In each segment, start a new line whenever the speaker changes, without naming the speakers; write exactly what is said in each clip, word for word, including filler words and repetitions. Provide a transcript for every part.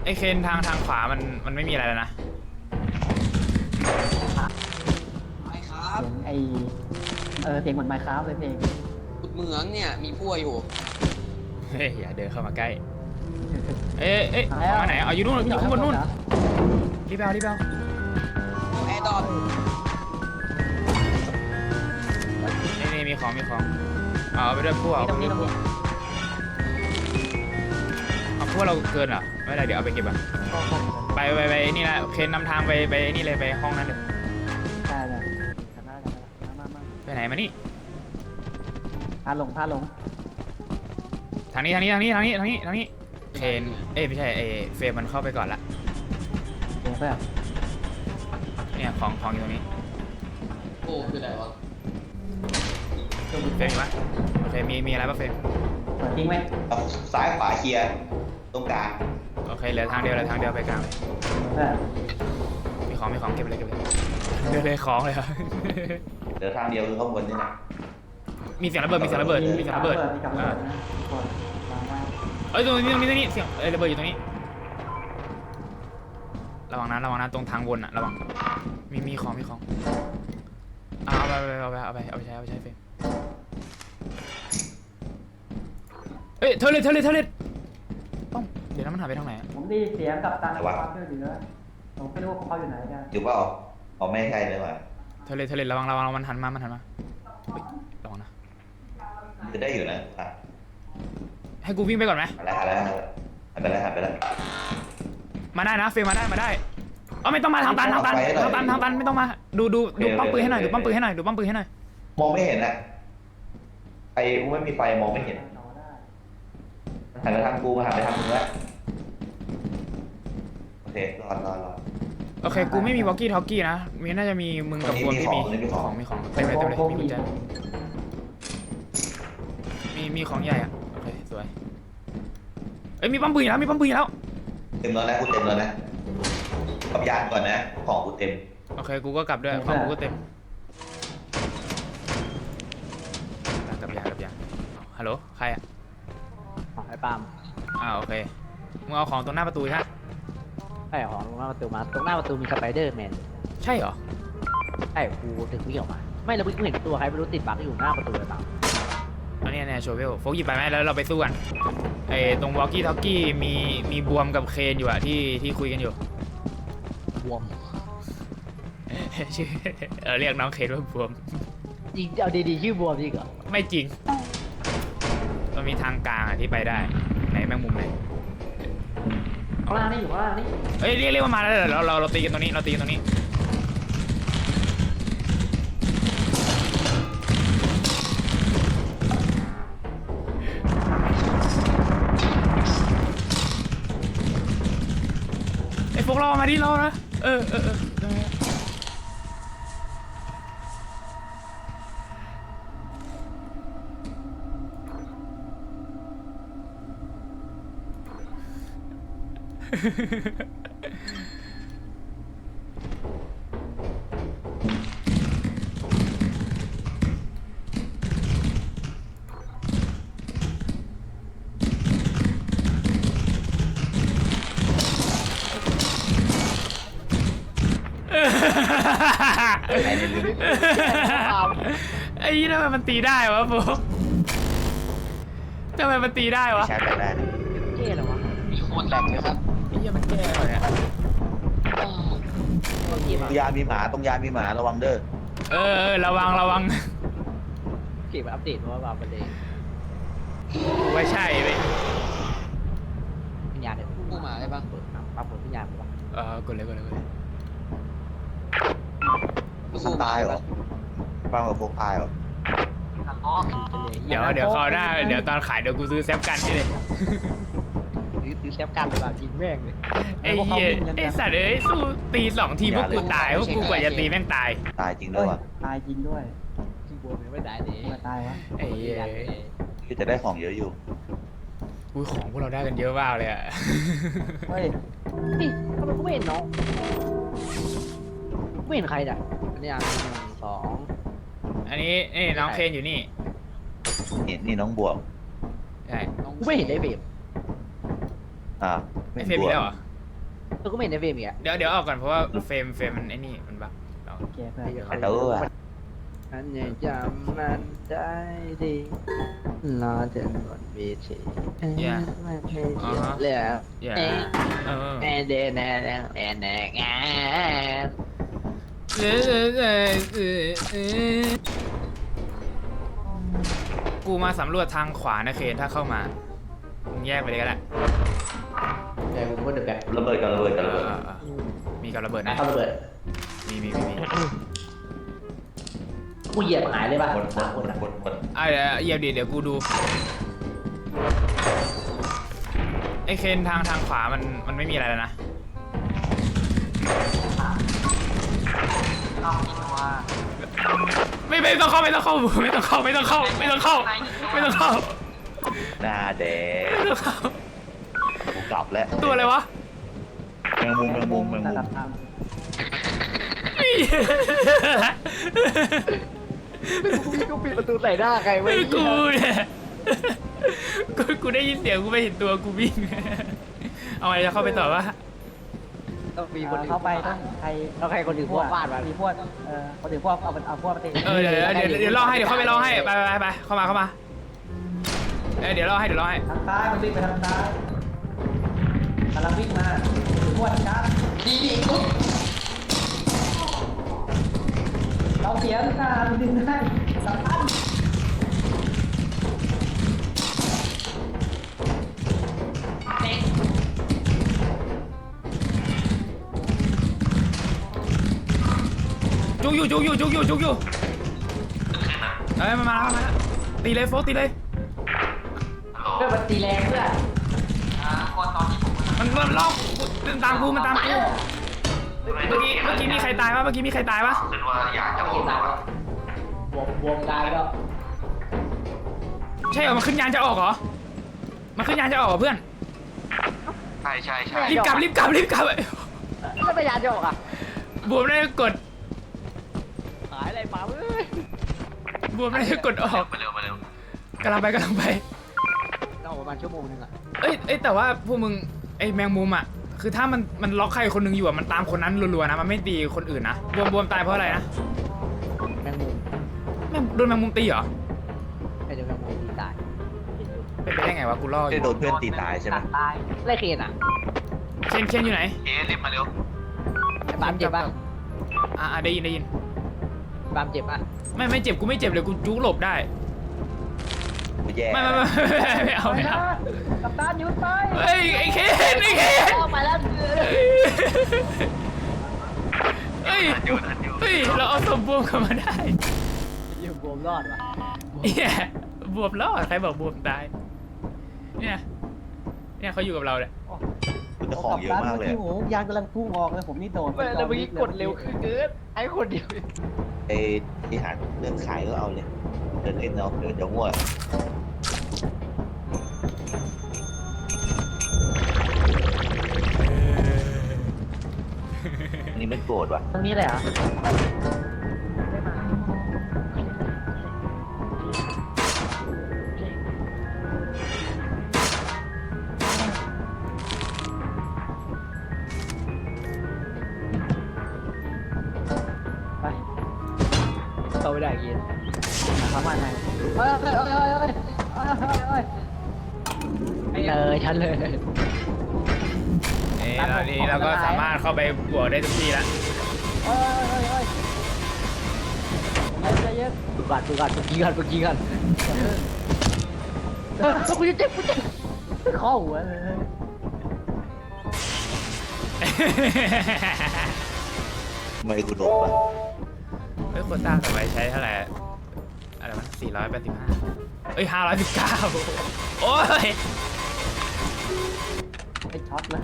ไอเคนทางทางขวามันมันไม่มีอะไรแล้วนะ
ไม่ครับ
เสียงไอเออเสียงเหมือนไมค์ครับเลยเพลง
ขุดเหมืองเนี่ยมีพั่วอยู่
เฮ้ยอย่าเดินเข้ามาใกล้เอ้ยเอ้ยของมาไหนเอาอยู่นู่นอยู่ข้างบนนู่นรีบเอารีบเอา
แอร์ดอป
นี่นี่มีของมีของเอาไปด้วยพวก
ตรงนี้ตรงนี้
เอาพวกเราเกินเหรอไม่ได้เดี๋ยวเอาไปเก็บอ่ะไปไปไปนี่นะเคนนำทางไปไปนี่เลยไปห้องนั้นเลย
ใช่เลยจำได้จำได้มามา
ไปไหนมานี่
พาลงพาลง
ทางนี้ทางนี้ทางนี้ทางนี้ทางนี้ทางนี้เคนเอ้ยไม่ใช่เอเฟรมมันเข้าไปก่อนละ
เดี๋ยวเพื่อน
เนี่ยของของอยู่ตรงนี้
โอ้คืออะไรวะ
เฟรมมีปะโอเคมีมีอะไรปะเฟรม
เปิดทิ้งไว้
ซ้ายขวาเคลียร์ตรงกลาง
โอเคเหลือทางเดียวเหลือทางเดียวไปกลางเลย
เพื่อน
มีของมีของเก็บเลยเก็บเลยเดี๋ยวเลยของเลยครับ
เหลือทางเดียวคือข้างบนนี่นะ
มีเสียงระเบิดมีเสียงระเบิดมีเสียงระเบิด
มีกับระ
อ่า
เบิดนะทุกคนมามา
เอ้ยตรงนี้ตรงนี้ตรงนี้เสียงเอ้ยระเบิดอยู่ตรงนี้ระวังนะระวังนะตรงทางวนอะระวังมีมีของมีของเอาไปเอาไปเอาไปเอาไปใช้เอาไปใช้เฟรมเอ้ยเทเลตเทเลตเทเลตป้องเดี๋ยวนั้นมันหายไปทางไหนอะ
ผมได้เสียงกับตาในความเชื่อถือผมไม่รู้ว่าเขาอยู่ไหนกัน
อยู่เปล่าเอาไม่ใช่เลยว่ะ
เทเลตเทเลตระวังระวังมันหันมามันหันมาเฮ้ยระวังนะ
จะได้อยู่นะอ่ะ
ให้กูวิ่งไปก่อนไหม
หันแล้วหันแล้วหันไปแล้วหันไปแล้ว
มาได้นะเฟรมมาได้มาได้เออไม่ต้องมาทางตันทางตันทางตันทางตันไม่ต้องมาดูดูดูป้อมปืนให้หน่อยดูป้อมปืนให้หน่อยดูป้อมปืนให้หน่อย
มองไม่เห็นอ่ะไอ้ไม่มีไฟมองไม่เห็น
ต่อได้
หันไปทางกูมาหันไปทางมึงแล้วโอเครอดรอดรอด
โอเคกูไม่มีวอลกี้ทอกกี้นะมีน่าจะมีมึงกับกูที่มี
มีของ
ของมีของเต็มเลยเต็มเลยมีกุญแจมีมีของใหญ่อะโอเคสวยเอ้ยมีป้อมปืนแล้วมีป้อมปืนแล้ว
เต็มแล้วนะกูเต็มแล้วนะกับยานก่อนนะของกูเต็ม
โอเคกูก็กลับด้วยของกูก็เต็มกลับยางกลับยางฮัลโหลใครอะ
ของไอ้ปาล์ม
อ่าโอเคมึงเอาของตรงหน้าประตูใช่ไหม
ใช่ของตรงหน้าประตูมาตรงหน้าประตูมีสไปเดอร์แมน
ใช่เหรอ
ใช่กูถึงวิ่งออกมาไม่เราเพิ่งเห็นตัวใครไม่รู้ติดบั๊กอยู่หน้าประตูเลยปาล์ม
อันนี้เนี่ยโชเวลโฟกหยิบไปไหมแล้วเราไปสู้กันไอ้ตรงวอลกี้ทอกกี้มีมีบวมกับเคนอยู่อะที่ที่คุยกันอยู่
บวม
ชื่อเออเรียกน้องเคนว่าบวม
จริงเอาดีๆชื่อบวมจริงเหรอ
ไม่จริงมันมีทางกลางอะที่ไปได้ไหนแมงมุมไหน
ข้างล่างนี่อยู่ข้างล่างนี่
เอ้ยเรียกเรียกมามาแล้วเดี๋ยวเราเราเราตีกันตรงนี้เราตีกันตรงนี้ไอ้พวกเรามาที่เรานะเออเออเออเออไอ้ยี่ทำไมมันตีได้วะพวกทำไมมันตีได้วะ
ใช้กันได้นะ
เท่เหรอวะ
มีโคตรแรงเลยครับ
ไอ้ยี่มันแก้เหรอเนี่ย
อ้าว
ตัวเกม
ตรงยานมีหมาตรงยานมีหมาระวังเด้อ
เออเออระวังระวัง
เกมอัปเดตเพราะว่าบาประเด็น
ว่าใช่เว้ย
พิญญาเนี่ย
ผู้หมาได้ปะ
เปิดปั๊บปั๊บเปิดพิญญาปั๊บ
เออกดเลยกดเลยกดเลย
มันตายเหรอฟังกับพวกตายเหรอ
อ๋อ
เดี๋ยวเดี๋ยวคราวหน้าเดี๋ยวตอนขายเดี๋ยวกูซื้อแซฟกันนี่เลย
ซื้อซื้อแซฟกันเลยแบบยิงแม่งเลย
ไอ้เหี้ยไอ้สัตว์เอ้ยสู้ตีสองทีพวกกูตายพวกกูกว่าจะตีแม่งตาย
ตายจริงด้
เอ้
วย
ย
ว่ะ
ตายจริงด้วย
ชื่อบวมยังไม่ได้เลย
มาตายวะ
ไอ้เหี้ย
คือจะได้ของเยอะอยู่
อุ้ยของพวกเราได้กันเยอะมากเลยอะ
เฮ้ย
นี่ทำไมกูไม่เห็นน้องไม่เห็นใครอ่ะอันนี้อ่ะหนึ่งสอง
อันนี้นี่น้องเคนอยู่นี่
นี่นี่น้องบวก
ใช่
กูไม่เห็นได้เบม
อ่า
ไอ้
ไม่
เฟรม
บ
มี
วก
แล้วเหรอ
ตัวกูไม่เห็นในเฟรมอีกอ่ะ
เดี๋ยวเดี๋ยวออกก่อนเพราะว่าเฟรมเฟรมมันไอ้นี่มันบัก
โอเคเพื่อน
ไอ้ตู้อะ
อันยังจำมันได้ดีรอจนหมดวิธีไม่ใช่แล้ว
อย่า
เอ๊ะ
เออ
แอนเดนแอนแอนแอนแอนแอน
เออเออเออเออเออกูมาสำรวจทางขวานะเคนถ้าเข้ามามึงแยกไปเลยก็ได้
เดี๋ยวกูพูดเดี๋ยวแบบ
ระเบิดกับระเบิดกับระเบิด
เออเออเออมีกับระเบิดนะ
เขาระเบิด
มีมีมีมี
กูเหยียบหายเลยป่ะ
หมดหม
สาม
ด
ค
หม
น
ด
อ่ะ
หมดหมด
อ่ะเดี๋ยวเหยียบดิเดี๋ยวกูดูไอเคนทางทางขวามันมันไม่มีอะไรแล้วนะไม่ไม่ต้องเข้าไม่ต้องเข้าไม่ต้องเข้าไม่ต้องเข้าไม่ต้องเข้าไม่ต้องเข้า
หน้าแดง
ไม่ต้องเข้า
กูกลับแล้ว
ตัวอะไรวะ
แมงมุมแมงมุมแมงมุม
ตาม
กูปิดประตูใส่หน้าใครไว้
ไม่กูเนี่ยกูกูได้ยินเสียงกูไม่เห็นตัวกูวิ่งเอาไงจะเข้าไปต่อวะ
ต้องมีคน
เข้าไปต้องใคร
ต้องใครคนถือพวกฟาดมา
มีพวกเออคนถือพวกเอาเอาพวกมาตี
เออเดี๋ยวเดี๋ยวเดี๋ยวเดี๋ยวรอให้เดี๋ยวเข้าไปรอให้ไปไปไปเข้ามาเข้ามาเออเดี๋ยวรอให้เดี๋ยวรอให้
ทางซ้ายมันวิ่งไปทางซ้ายกำลังวิ่งมาถือพวกชัด
ดีดีปุ๊บ
เราเสียหน้าดึงได้สำคัญ
เด็ก
จุกอยู่จุกอยู่จุกอยู่จุกอยู่เอ้ยมามาแล้วมาแล้วตีเลยโฟกตีเลย
เพื่อมันตีแรงเพื่อ
อ่าคนตอนที่ผม
มันมันล็อกมันตามกูมันตามกูเมื่อกี้เมื่อกี้มีใครตายวะเมื่อกี้มีใครตายวะ
คิดว่าอยากจะ
ไม่เห็นตายแล้วบวมบวมกายแล้ว
ใช่เหรอมันขึ้นยานจะออกเหรอมันขึ้นยานจะออกเหรอเพื่อน
ใช่ใช่ใช่
รีบกลับรีบกลับรีบกลับ
แล้วไปยานจะออกอ่ะ
บวมได้กด
หายอะไรมาเว้ย
บวมได้กดออก
มาเร็วมาเร็ว
กำลังไปกำลังไป
ต้องประมาณชั่วโมงนึงอ่ะ
เอ้ยเอ้ยแต่ว่าพวกมึงไอ้แมงมุมอ่ะคือถ้ามันมันล็อกใครคนหนึงอยู่อ่ะมันตามคนนั้นรัวๆนะมันไม่ตีคนอื่นนะบวมบวมตายเพราะอะไรนะ
แมงมุม
แม่งโดนแมงมุมตีเหรอ
ไอ้เดี๋ยวแมงมุมตีตาย
เป็นไปได้ไงวะกูล่ออ
ได้
ยู่
โดนเพื่อนตีตายใช่ไหม
ตาย
ไล่เคนอ่ะ
เคนเคนอยู่ไหน
เอ๊ะรีบมาเร็ว
ไอ้บามเจ็บป่ะ
อ่าได้ยินได้ยิน
บามเจ็บป่ะ
ไม่ไม่เจ็บกูไม่เจ็บเลยกูจุกหลบได้
กูแย่
ไม่ไม่ไม่ไม่ไม่เอา
ไป
ไม่
นะ
เอา
กัปตันหยุดไป
เฮ้ยไอ้เคนไอ้เคน
ออกไปแล้ว
เฮ้ยเฮ้ยเราเอาศพบวมกลับมาได้
อยู่บวมรอดว่ะ
เนี่ยบวมแล้วใครบอกบวมตายเนี่ยเนี่ยเขาอยู่กับเราเนี่ย
กูจะของเยอะมากเลย
โอ้โหยางกำลังพุ่งออกเลยผมนี่โดน
แล้วเมื่อกี้กดเร็วขึ้นเกินไอ้คนเดียว
ไอ้ที่หาเรื่องขายก็เอาเลยเดินเล่นเนาะเดี๋ยวเดี๋ยวง่วงอันนี้ไม่โกรธว่ะ
ตรงนี้เลยเหรอไป
เข้าไม่ได้กิน
ทำอะไรเฮ้ยเฮ้ยเฮ้ยเฮ้ยเฮ้ยเฮ้ย
เลยฉันเลย
นี่ตอนนี้เราก็สามารถเข้าไปบวกได้ทุกที่แล้ว
เฮ้ยเฮ้ยเฮ้ยเฮ้ยใจเย็น
ดูก่อนดูก่อนเมื่อกี้ก่อนเมื่อกี้ก่อนเออกูจะเจ็บกูเจ็บ
ข้อหัวเลย
ทำไมกูโดนวะ
เฮ้ยโควต้าต่อไปใช้เท่าไหร่อะไรวะสี่ร้อยแปดสิบห้าเอ้ยห้าร้อยสิบเก้าโอ้ย
ไอ้ช็อตเลย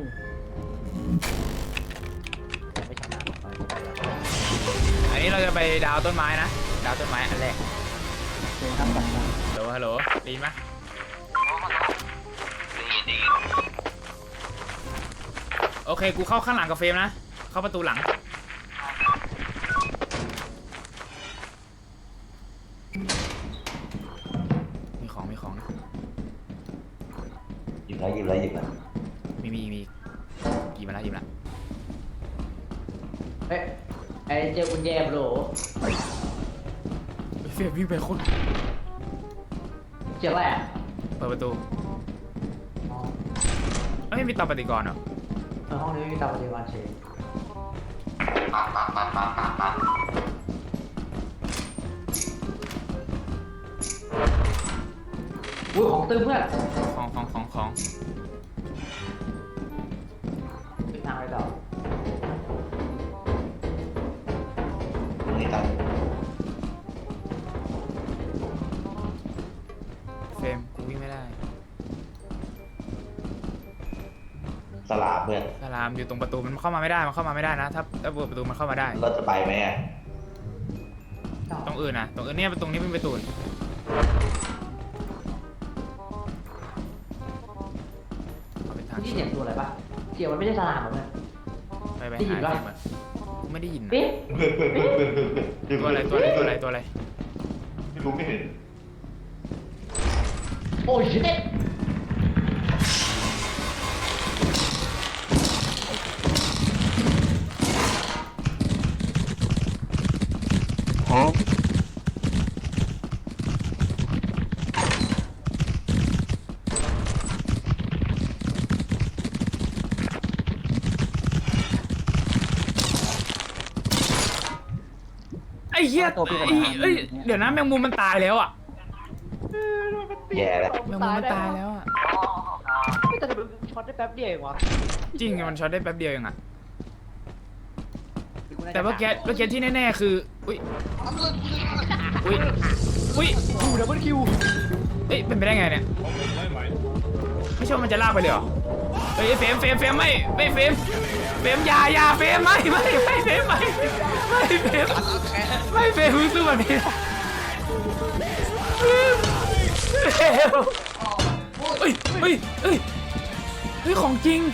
ไม่ชนะ
อันนี้เราจะไปดาวต้นไม้นะดาวต้นไม้อันแรก
เจอครับแบบนั้น
ฮัลโหลฮัลโหลได้ยินไหมโอเคกูเข้าข้างหลังกับเฟรมนะเข้าประตูหลังมีของมีของนะ
หยิบแล้วหยิบแล้วหยิบแล้ว
มีมีมีหยิบยิงมาแล้วยิงมาแล้ว
เฮ้ยไอ้เจอกุญแจโหล
เฟียวิ่งไปคน
เจออะไรอ่ะ
เปิดประตู
อ๋อ
ไม่มีเตาปฏิกรณ์เหรอ
ในห้องนี้ไม่มีเตาปฏิบัติเฉย
ปัดปัดปัดปัดปัดปัด
อุ้ยของตึ้มเพื่อน
ของของของของ
เป็นทางไปต่อ
ตรงนี้ตัด
เฟรมกูวิ่งไม่ได้
สลามเพื่อน
สลามอยู่ตรงประตูมันเข้ามาไม่ได้มันเข้ามาไม่ได้นะถ้าถ้าเปิดประตูมันเข้ามาได้
เราจะไปไหมอ่ะ
ตรงอื่นนะตรงอื่นเนี่ยตรงนี้เป็นประตูเอาเป็นทาง
นี่เสียงตัวอะไรปะเสียงมันไม่ใช่สลามเหรอเนี่ย
ไปไป
ได้ยิ
หาน
ปะ
เฟรมอะกูไม่ได้ยินนะ
ปิ๊บ
ตัวอะไรตัวอะไรตัวอะไรตัวอะไร
ไม่รู้ไม่เห็น
โอ้ยชิต
ไอ้เหี้ยไอ้เอ้ยเดี๋ยวนะแมงมุมมันตายแล้วอ่ะ
แย่แล้ว
แมงมุมมันตายแล้วอ่ะ
ไม่แต่มันช็อตได้แป๊บเดียวเองวะ
จริงมันช็อตได้แป๊บเดียวเองอ่ะแต่เมื่อกี้เมื่อกี้ที่แน่ๆคืออุ้ยอุ้ยอุ้ย
คิวดับเบิลคิว
เอ้ยเป็นไปได้ไงเนี่ยไม่ใช่ว่ามันจะลากไปเลยเหรอเฮ้ยเฟรมเฟรมเฟรมไม่ไม่เฟรมเฟรมอยาอยาเฟรมไม่ไม่ไม่เฟรมไม่ไม่เฟรมไม่เฟรมมึงสู้แบบนี้เฟรมเฮ้ยเฮ้ยเฮ้ยเฮ้ยของจริง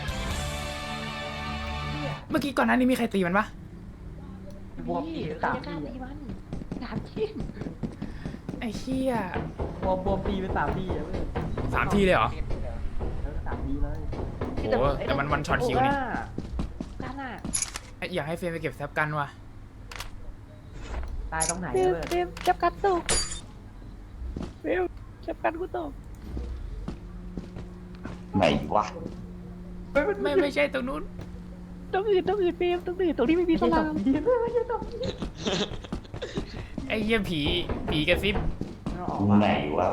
เมื่อกี้ก่อนหน้านี้มีใครตีมันปะ
บวมตีสามทีมันสามที
ไอ้เหี้ย
บวมบวมตีเป็นสามทีอะเพื่อน
สามทีเลยเหรอ
แล้วก็สามทีเลย
โอ้โหแต่มันวันช็อตคิวนี่
กันอ่ะ
อยากให้เฟรมไปเก็บแซปกันว่ะ
ตายตรงไหน
เฟรม
เพื่อน
เฟรมจับกันตกเฟรมจับกันกูตก
ไหนวะ
ไม่ไม่ใช่ตรงนู้น
ตรงอื่นตรงอื่นเฟรมตรงอื่นตรงที่ไม่มีสลาม
ไม่ใช่ตรงนี้
ไอ้เหี้ยผีผีกระซิบ
เราออก
ตรง
มา
ไหนวะ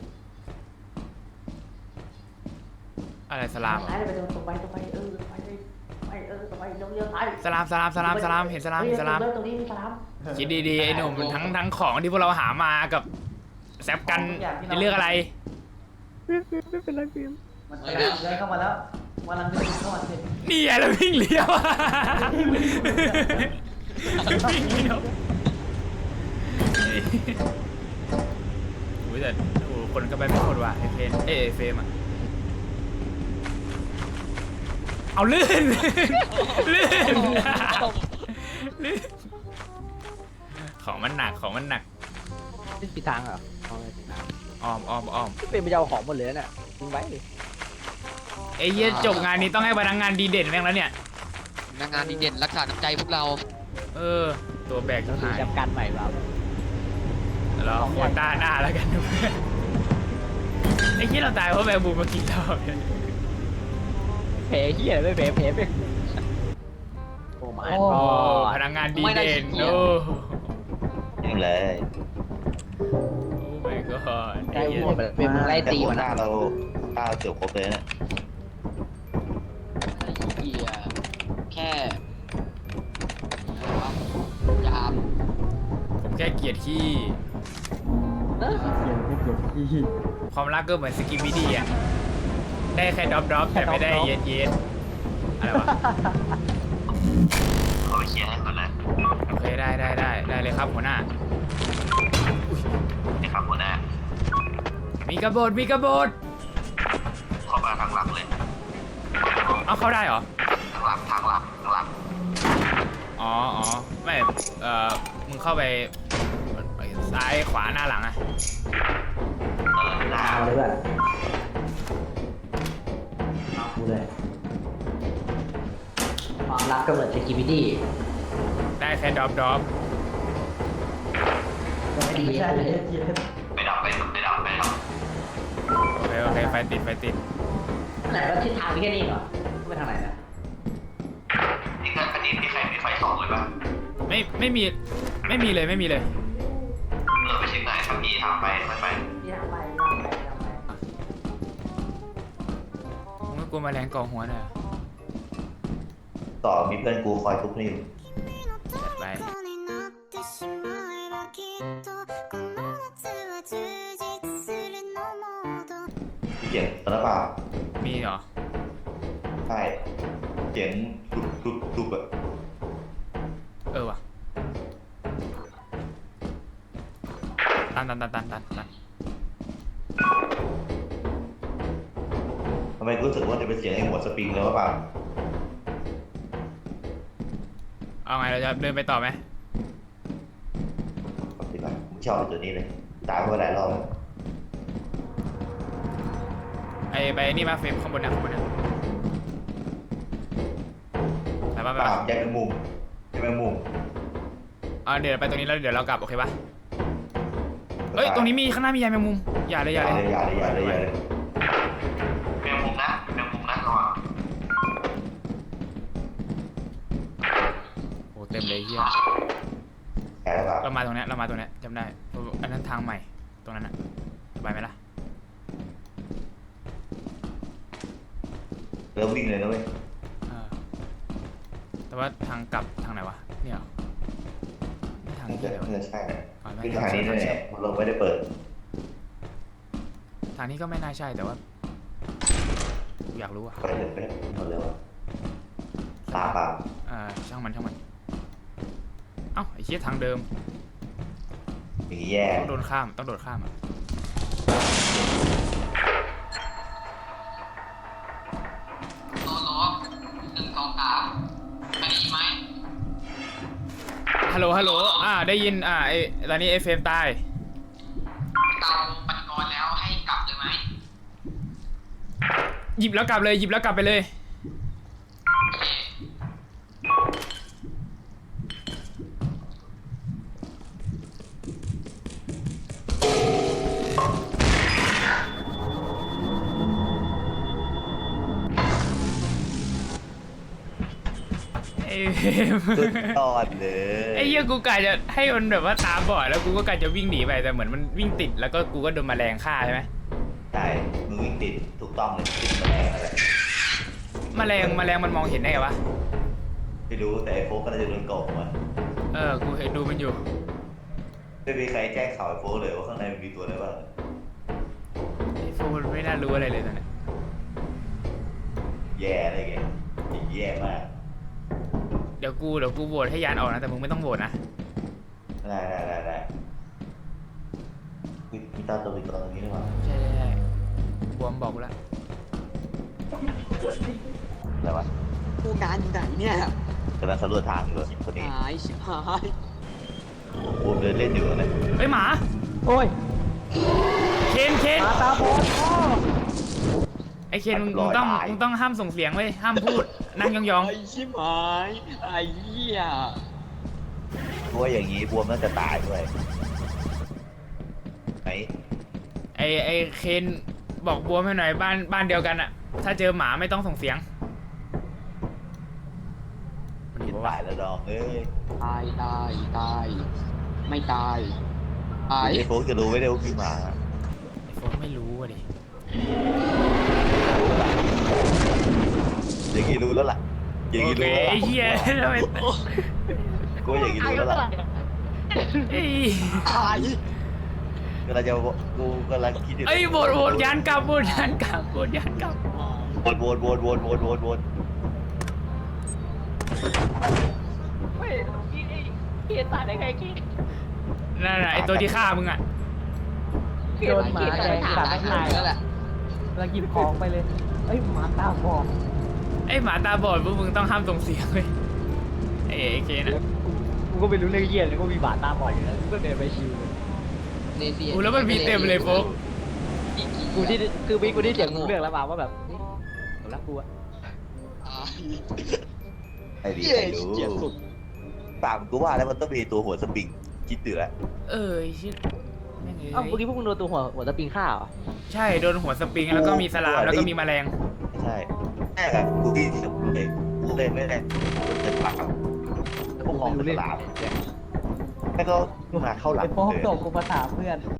อะไรสลาม
ซ้ายไปตรงไปตรงไปเออไปไปเออตรงไปเลี้ยวซ้าย
สลามสลามสลามสลามเห็นสลามเห็นสลาม
ตรงนี้มีสลาม
คิดดีๆไอ้หนุ่มทั้งทั้งของที่พวกเราหามากับแซปกันในเรื่องอะไร
เฟรมเฟรมไม่เป็นไรเฟรม
มันกำลังเดินเข้ามาแล้วกำลังเดินเข้ามาสิ
นี่ไงเราวิ่งเลี้ยววิ่งเลี้ยวโอ้ยแต่โอ้คนก็ไปไม่หมดว่ะไอเพนเอเฟรมอะเอาลื่นลื่นลื่นของมันหนักของมันหนัก
นี่ปีทางเหรอเอาไงปีทาง
อ้อมอ้อมอ้อม
เฟรมไปเอาของหมดเลยเนี่ยทิ้งไว้
ไอ้เหี้ยจบงานนี้ต้องให้พนักงานดีเด่นแม่งแล้วเนี่ย
พนักงานดีเด่นรักษาน้ำใจพวกเรา
เออ ตัวแบก
เรา
จะ
ถือ
หาย
จับกันใหม่เรา
รอโควต้าหน้าแล้วกันนะเพื่อนไอ้ที่เราตายเพราะแมงมุมมากินเราเนี่ย
แผลเหี้ยไม่แผลแผลไปโอ้มา
โอ้พนักงานดีเด่นโอ้
ยังเลย
โอ้ my god
ไล่หัวไปเป็นไล่ตี
หั
มั
วน หน้า
นะ
เราข้าวเกี่ยวครบเลยนะ
ไอ้เหี้ยแค่อะไรวะยาม
ผมแค่เกลียดขี้ความรักก็เหมือนสกิมมิดี้อ่ะได้แค่ดรอปดรอปแต่ไม่ได้เย็ดเย็ดอะไรวะ
เอาไปเคลียร์ให้ก่อนนะ
โอเคได้ได้ได้ได้เลยครับหัวหน้า
นี่ครับหัวหน้า
มีกระโบดมีกระโบด
เข้ามาทางหลังเลย
เอาเข้าได้เหรอ
ทางหลังทางหลังทางหลัง
อ๋ออ๋อไม่เอ่อมึงเข้าไปซ้ายขวาหน้าหลังอะ
เออหน้า
เอาเลยเพื่อนเอากูเลยรับกำเนิด security
ได้แค่ดรอปดรอป
ไม่ใช่เลย
ไปดับไปไปดับไปดับ
โอเคโอเคไฟติดไฟติด
แต่ว่าทิศทางมีแค่นี้เหรอไปทางไหนนะ
นี่ก็อันนี้มีใครมีไฟส่องเลยปะ
ไม่ไม่มีไม่มีเลยไม่มีเลย
เออไปเช็คหน่อยถ้ามีทางไปไม่ไป
ที่ทางไปทางไปทางไป
มึงก็กลัวแมลงเกาะหัวน่ะ
ต่อมีเพื่อนกูคอยทุบนี่อยู่
จัดไป
มีเสียงตอนนั้นเปล่า
มีเหรอ
ใช่เสียงทุบทุบทุบอะ
เออว่ะตันตันตันตันตันตัน
ทำไมกูรู้สึกว่าจะเป็นเสียงไอ้หัวสปริงแล้วเปล่า
เอาไงเราจะเดินไปต่อไหม
ปกติป่ะมึงชอบตัวนี้เลยตายมาหลายรอบแล้ว
ไอไปนี่มาเฟรมข้างบนนะข้างบนนะไปป่ะไป
เปล่า
ป่ะ
แยกเป็นมุมแยกเป็นมุม
อ่าเดี๋ยวไปตรงนี้แล้วเดี๋ยวเรากลับโอเคป่ะเอ้ยตรงนี้มีข้างหน้ามียายแมงมุมอย่าเลยอย่า
อย่า
เล
เลย ยอย่าเลยอย่าเลยอย่าเลย
เป็นมุมนะเป็นมุมนะระวัง
โอ้เต็มเลยเฮีย
แกแล้วเปล่า
เรามาตรงเนี้ยเรามาตรงเนี้ยจำได้อันนั้นทางใหม่ตรงนั้นอะไปไหมล่ะ
เริ่มวิ่งเลยนะเว้ย
เออแต่ว่าทางกลับทางไหนวะเนี่ยเหรอไม่ทาง
น่า
นี้
จะ
เลยวะ
น่าจะใช่นะ
อ๋อไม่
คือทางนี้แน่ๆมันลงไม่ได้เปิด
ทางนี้ก็ไม่น่าใช่แต่ว่าอยากรู้อะ
ไปเลยไปเลยหมดเลยวะตาเปล่า
เออช่างมันช่างมันเอ้าไอ้เชี่ยทางเดิม
อย่างนี้แย่
ต้องโดนข้ามต้องโดดข้ามอะ
โลโลหนึ่งสองสามได้ยินไหม
ฮัลโหลฮัลโหลอ่าได้ยินอ่าไอตอนนี้ไอเฟรมตาย
เตาปฏิกรณ์แล้วให้กลับเลยไหม
หยิบแล้วกลับเลยหยิบแล้วกลับไปเลย
โอเค
ไอเฟรม
สุดยอดเลย
ไอ้เหี้ยกูกะจะให้มันแบบว่าตาบอดแล้วกูก็กะจะวิ่งหนีไปแต่เหมือนมันวิ่งติดแล้วก็กูก็โดนแมลงฆ่าใช่ไหม
ใช่มึงวิ่งติดถูกต้องเลยติดแมลงอะไร
แมลงแมลงมันมองเห็นได้ไงวะ
ไม่รู้แต่ไอ้โฟกก็น่าจะโดนโกงมา
เออกูเห็นดูมันอยู่
ไม่มีใครแจ้งข่าวไอ้โฟกเลยว่าข้างในมันมีตัวอะไรบ้าง
ไอ้โฟนไม่น่ารู้อะไรเลยตอนเนี้ย
แย่อะไรเงี้ยแย่มาก
เดี๋ยวกูเดี๋ยวกูโหวตให้ยานออกนะแต่มึงไม่ต้องโหวตนะ
ได้ได้ได้ได้มีมีตาตัวอีกตัวตรงนี้หรือเปล่า
ใช่ใช่ใช่บวมบอกกูแล้ว
อะไรวะ
ผู้การอยู่ไหนเนี่ย
กำลังสำรวจทางอยู่คนนี้
หายชิบหาย
โอ้เดินเล่นอยู่นะ
เฮ้ยหมา
โอ้ย
เคนเคน
มาตาบอดพ่อ
ไอเคนมึงมึงต้องมึงต้องห้ามส่งเสียงเว้ยห้ามพูดนั่งยอง
ไอ้ชิบหายไอ้เหี้ย
เพราะว่าอย่างนี้บวมน่าจะตายด้วยไหน
ๆไอไอเคนบอกบวมให้หน่อยบ้านบ้านเดียวกันอะถ้าเจอหมาไม่ต้องส่งเสียงมัน
กิน
บอก
ตา
ว่าย
แล้วดองเอ้ย
ตายตายตายไม่ตายตาย
ไอ้โฟกจะรู้ไม่ได้ว่ากินหมา
ไอโฟนไม่รู้อะดิ
อย่างนี้รู้แล้วล่ะอย่าง
โอ
นี้
เค
รู้แล้ว
ไอ้
ล่ะ
เหี้ยทำไม
กูว่าอย่างนี้รู้แล้วล่ะ
ไอ้
ตาย
กำลังจะกูกำลังคิดอยู่
ไอ้ยโหวตโหวตยานกลับโหวตยานกลับโหวตยานกลับ
วนวนวนวนวนวนวน
เฮ้ยพี่ไอ้พี่ตายได้ไงพี่
นั่นแหละไอตัวที่ฆ่ามึงอะ
โดนหมาแดงกัดไม่ตาย
แล้วแหละ
แล้วหยิบของไปเลยเอ้ยหมาตาบอด
ไอหมาตาบอดพวกมึงต้องห้ามส่งเสียงเลยไอไอเคนอะ
กูก็ไม่รู้เรื่องเยี่ยเลยก็มีหมาตาบอดอยู่แล้วกูก็เดินไปชิว
เนเซีย
กูแล้วมันมีเต็มเลยโฟก
กูที่คือมีกูที่เสียงรู้เรื่องแล้วมาว่าแบบนี่หนูรักกูอะ
ตาย
ไอ้ดี
เย้
ไอ้รู้
เจียสุด
ปากกูว่าแล้วมันต้องมีตัวหัวสปริงคิดเตือ
เออไอ้ชิแม่ง
เอ้า
เอ้
เมื่อย กี้พวกมึงโดนตัวหัวหัวตะปิงฆ่าเหรอ
ใช่โดนหัวสปริงแล้วก็มีสลามแล้วก็มีแมลง
ใช่แม่กับกูที่สุดเลยกูเลยไม่ได้จะปากพวกมองเป็นหลามแม่ก็มาเข้าหลัง
ไอ้โป๊ก
เลย
ส่งกูมาถามเพื่อน